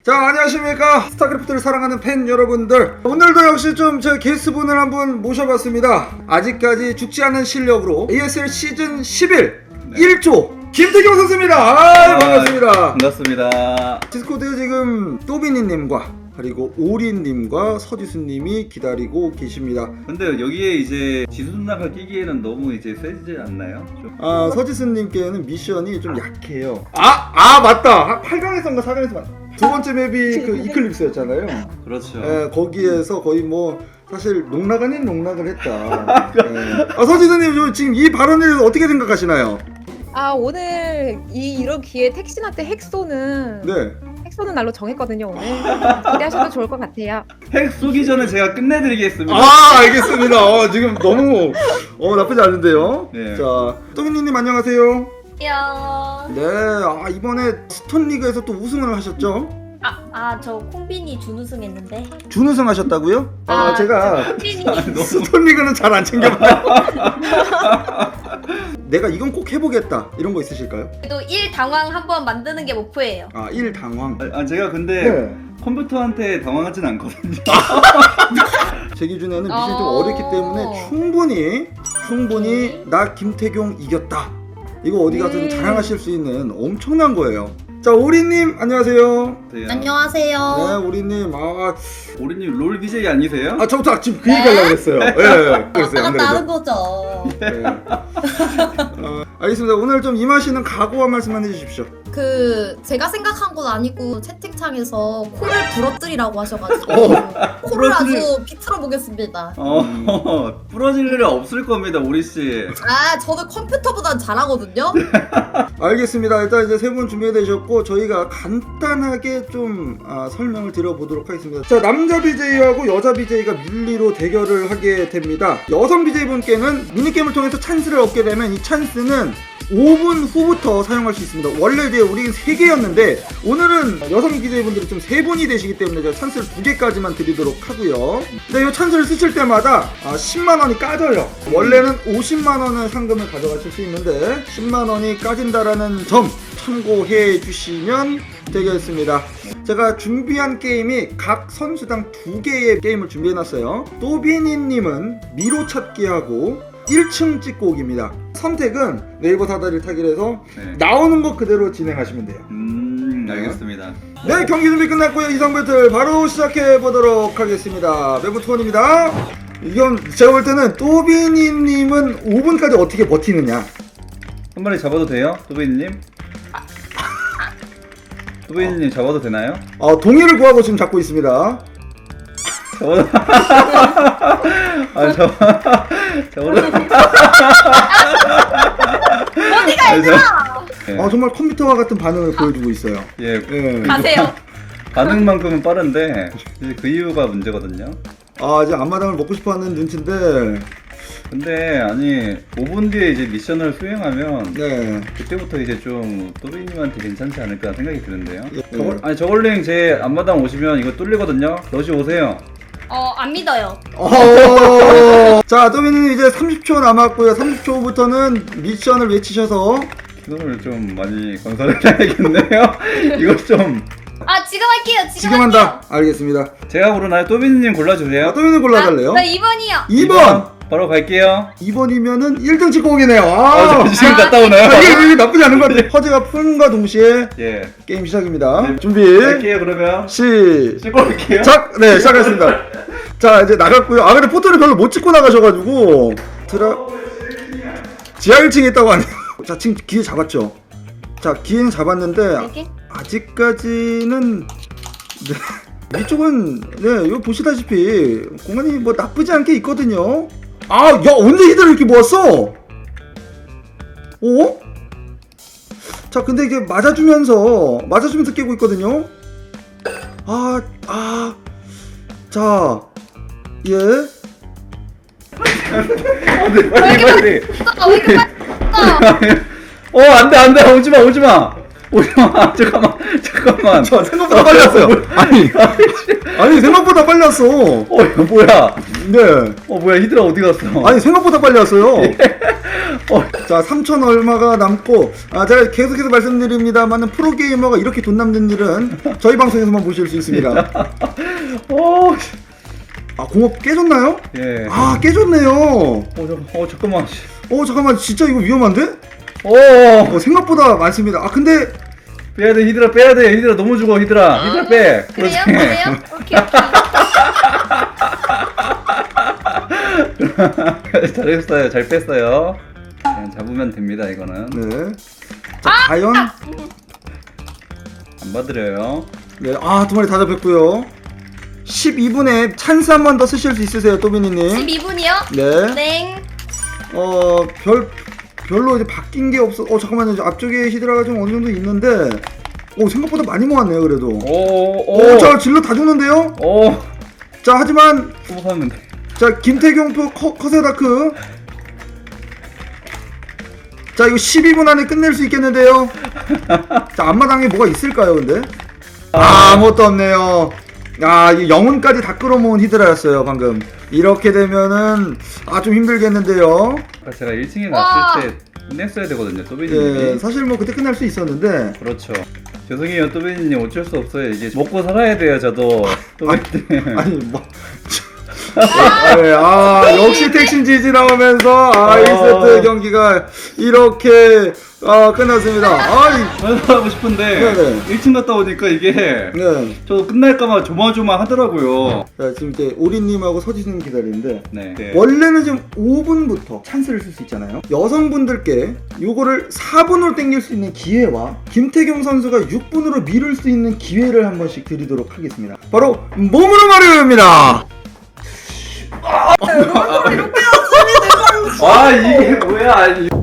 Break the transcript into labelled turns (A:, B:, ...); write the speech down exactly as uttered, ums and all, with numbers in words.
A: 자, 안녕하십니까 스타크래프트를 사랑하는 팬 여러분들, 오늘도 역시 좀 저희 게스트분을 한분 모셔봤습니다. 아직까지 죽지 않은 실력으로 에이에스엘 시즌 십일 네. 일 조 김태경 선수입니다. 아, 아, 반갑습니다.
B: 반갑습니다.
A: 디스코드에 지금 또비니님과 그리고 오리님과 서지수님이 기다리고 계십니다.
B: 근데 여기에 이제 지수 누나가 끼기에는 너무 이제 세지 않나요? 좀.
A: 아, 서지수님께는 미션이 좀 약해요. 아, 아 맞다. 팔 강에서인가 사 강에서 맞다. 두 번째 맵이 그 이클립스였잖아요.
B: 그렇죠.
A: 예, 거기에서 거의 뭐 사실 농락 아닌 농락을 했다. 예. 아, 서지수님 지금 이 발언에 대해서 어떻게 생각하시나요?
C: 아, 오늘 이 이런 기회에 택시나한테 핵 쏘는
A: 네.
C: 핵 쏘는 날로 정했거든요. 오늘 기대하셔도 좋을 것 같아요.
B: 핵 쏘기 전에 제가 끝내드리겠습니다.
A: 아, 알겠습니다. 어, 지금 너무 어, 나쁘지 않은데요.
B: 네.
A: 자, 또비니님 안녕하세요.
D: 안녕.
A: 네, 아, 이번에 스톤 리그에서 또 우승을 하셨죠?
D: 아, 아, 저 콩빈이 준우승 했는데.
A: 준우승 하셨다고요? 아,
D: 아,
A: 제가
D: 콩빈이.
A: 스톤 리그는 잘 안 챙겨봐요. 내가 이건 꼭 해보겠다 이런 거 있으실까요?
D: 그래도 일 당황 한번 만드는 게 목표예요.
A: 아, 일 당황.
B: 아, 제가 근데
A: 네.
B: 컴퓨터한테 당황하진 않거든요.
A: 제 기준에는 미션이 좀
D: 어.
A: 어렵기 때문에 충분히 충분히
D: 네.
A: 나 김태경 이겼다, 이거 어디 가서
C: 네.
A: 자랑하실 수 있는 엄청난 거예요. 자, 오리님 안녕하세요.
B: 네.
D: 안녕하세요.
A: 네, 오리님. 아,
B: 오리님 롤 비제이 아니세요?
A: 아 저부터 지금 그 얘기 하려고 했어요. 예, 예, 그랬어요. 안 그래도.
D: 거죠.
A: 네. 어, 알겠습니다. 오늘 좀 임하시는 각오와 말씀만 해주십시오.
E: 그 제가 생각한 건 아니고 채팅창에서 코를 부러뜨리라고 하셔가지고
A: 어.
E: 코를
B: 부러뜨리-
E: 아주 비틀어 보겠습니다.
B: 어, 부러질 일은 없을 겁니다, 오리씨.
E: 아 저는 컴퓨터보단 잘하거든요.
A: 알겠습니다. 일단 이제 세 분 준비되셨고 저희가 간단하게 좀 아, 설명을 드려보도록 하겠습니다. 자, 남자 비제이하고 여자 비제이가 밀리로 대결을 하게 됩니다. 여성 비제이분께는 미니게임을 통해서 찬스를 얻게 되면 이 찬스는 오 분 후부터 사용할 수 있습니다. 원래 이제 우리 세 개였는데 오늘은 여성 비제이분들이 좀 세 분이 되시기 때문에 제가 찬스를 두 개까지만 드리도록 하고요. 근데 이 찬스를 쓰실 때마다 아, 십만 원이 까져요. 원래는 오십만 원의 상금을 가져가실 수 있는데 십만 원이 까진다라는 점 참고해 주시면 되겠습니다. 제가 준비한 게임이 각 선수당 두 개의 게임을 준비해놨어요. 또비니님은 미로 찾기하고 일 층 찍고오기입니다. 선택은 네이버 사다리를 타기로 해서
B: 네.
A: 나오는 것 그대로 진행하시면 돼요.
B: 음, 알겠습니다.
A: 네, 경기 준비 끝났고요. 이상 배틀 바로 시작해 보도록 하겠습니다. 매부 투원입니다. 이건 제가 볼 때는 또비니님은 오 분까지 어떻게 버티느냐.
B: 한 마리 잡아도 돼요, 또베이님? 또베이님 잡아도 되나요?
A: 어, 동의를 구하고 지금 잡고 있습니다.
B: 잡아도 아 잡아 잡아도
D: 어디가 얘들아?
B: 예.
A: 아, 정말 컴퓨터와 같은 반응을 보여주고 있어요.
B: 예,
A: 예.
D: 가세요.
B: 반응만큼은 빠른데 이제 그 이유가 문제거든요.
A: 아, 이제 앞마당을 먹고 싶어하는 눈치인데,
B: 근데 아니 오 분 뒤에 이제 미션을 수행하면
A: 네.
B: 그때부터 이제 좀 또비님한테 괜찮지 않을까 생각이 드는데요.
A: 예.
B: 저걸, 아니 저걸링 제 앞마당 오시면 이거 뚫리거든요. 러시 오세요.
D: 어, 안 믿어요.
A: 어... 자, 또비님 이제 삼십 초 남았고요. 삼십 초부터는 미션을 외치셔서
B: 이거를 좀 많이 건설해야겠네요. 이거 좀
D: 아, 지금 할게요. 지금,
A: 지금 한다. 알겠습니다.
B: 제가 고르나요? 또비님 골라주세요.
A: 아, 또비님 골라달래요?
D: 나 이 번이요.
A: 이 번!
B: 바로 갈게요.
A: 이 번이면은 일 등 찍고 오기네요. 아,
B: 아, 저 지금
D: 아,
B: 갔다 오나요?
A: 아, 이게, 이게 나쁘지 않은 것 같아요. 허즈가 푼과 동시에
B: 예.
A: 게임 시작입니다.
B: 네.
A: 준비.
B: 갈게요 그러면.
A: 시작!
B: 찍고 올게요.
A: 네, 시작했습니다. 자, 이제 나갔고요. 아, 근데 포토를 별로 못 찍고 나가셔가지고. 드라. 지하 일 층에 있다고 하네요. 자, 지금 기회 잡았죠? 자, 기회는 잡았는데,
D: 이렇게?
A: 아직까지는. 네. 위쪽은, 네, 이거 보시다시피, 공간이 뭐 나쁘지 않게 있거든요. 아, 야, 언제 히드를 이렇게 모았어? 어? 자, 근데 이게 맞아주면서, 맞아주면서 깨고 있거든요. 아, 아. 자, 예.
B: 안돼 빨리 빨리.
D: 어, 왜 이렇게 빨리 어,
B: 어 안돼 안돼 오지마 오지마. 오야 잠깐만 잠깐만.
A: 저 생각보다 빨리 왔어요. 아니 아니 생각보다 빨리 왔어.
B: 어 이거 뭐야?
A: 네.
B: 어 뭐야 히드라 어디 갔어?
A: 아니 생각보다 빨리 왔어요.
B: 어.
A: 자 삼천 얼마가 남고 아 제가 계속해서 말씀드립니다만은 프로게이머가 이렇게 돈 남는 일은 저희 방송에서만 보실 수 있습니다.
B: 어.
A: 아 공업 깨졌나요?
B: 예.
A: 아 깨졌네요.
B: 어, 저, 어 잠깐만.
A: 어 잠깐만 진짜 이거 위험한데?
B: 어.
A: 어, 생각보다 많습니다. 아 근데
B: 빼야 돼 히드라 빼야 돼 히드라 너무 죽어 히드라 히드라 빼.
D: 그래요?
B: 그렇지.
D: 그래요? 오케이 오케이.
B: 잘했어요 잘 뺐어요. 그냥 잡으면 됩니다 이거는.
A: 네. 자 과연
B: 안 봐드려요.
A: 네, 아 두 마리 다 잡혔고요. 십이 분에 찬스 한 번 더 쓰실 수 있으세요, 또비니님.
D: 십이 분이요?
A: 네.
D: 땡.
A: 어, 별 별로 이제 바뀐 게 없어. 어, 잠깐만요. 저 앞쪽에 히드라가 좀 어느 정도 있는데, 오 생각보다 많이 모았네요, 그래도.
B: 오오.
A: 오, 자 질러 다 죽는데요.
B: 오.
A: 자 하지만
B: 또 사면 돼.
A: 자 김태경표 커, 커세다크. 자 이거 십이 분 안에 끝낼 수 있겠는데요. 자 앞마당에 뭐가 있을까요, 근데? 아, 아무것도 없네요. 아, 이 영혼까지 다 끌어모은 히드라였어요, 방금. 이렇게 되면은 아 좀 힘들겠는데요.
B: 아까 제가 일 층에
D: 와.
B: 갔을 때 끝냈어야 되거든요 또비님이.
A: 예, 사실 뭐 그때 끝날 수 있었는데.
B: 그렇죠. 죄송해요 또비님 어쩔 수 없어요. 이게 먹고 살아야 돼요 저도. 또비님.
A: 아니 뭐. 아, 네. 아 역시 택신 지지 나오면서 아 일 세트 경기가 이렇게 아 끝났습니다. 아이
B: 하고 싶은데
A: 네네.
B: 일 층 갔다 오니까 이게
A: 네.
B: 저도 끝날까봐 조마조마하더라고요.
A: 자, 지금 이제 오리님하고 서지님 기다리는데
B: 네. 네.
A: 원래는 지금 오 분부터 찬스를 쓸 수 있잖아요. 여성분들께 요거를 사 분으로 땡길 수 있는 기회와 김태경 선수가 육 분으로 미룰 수 있는 기회를 한 번씩 드리도록 하겠습니다. 바로 몸으로 말입니다.
B: 아 이게 뭐야?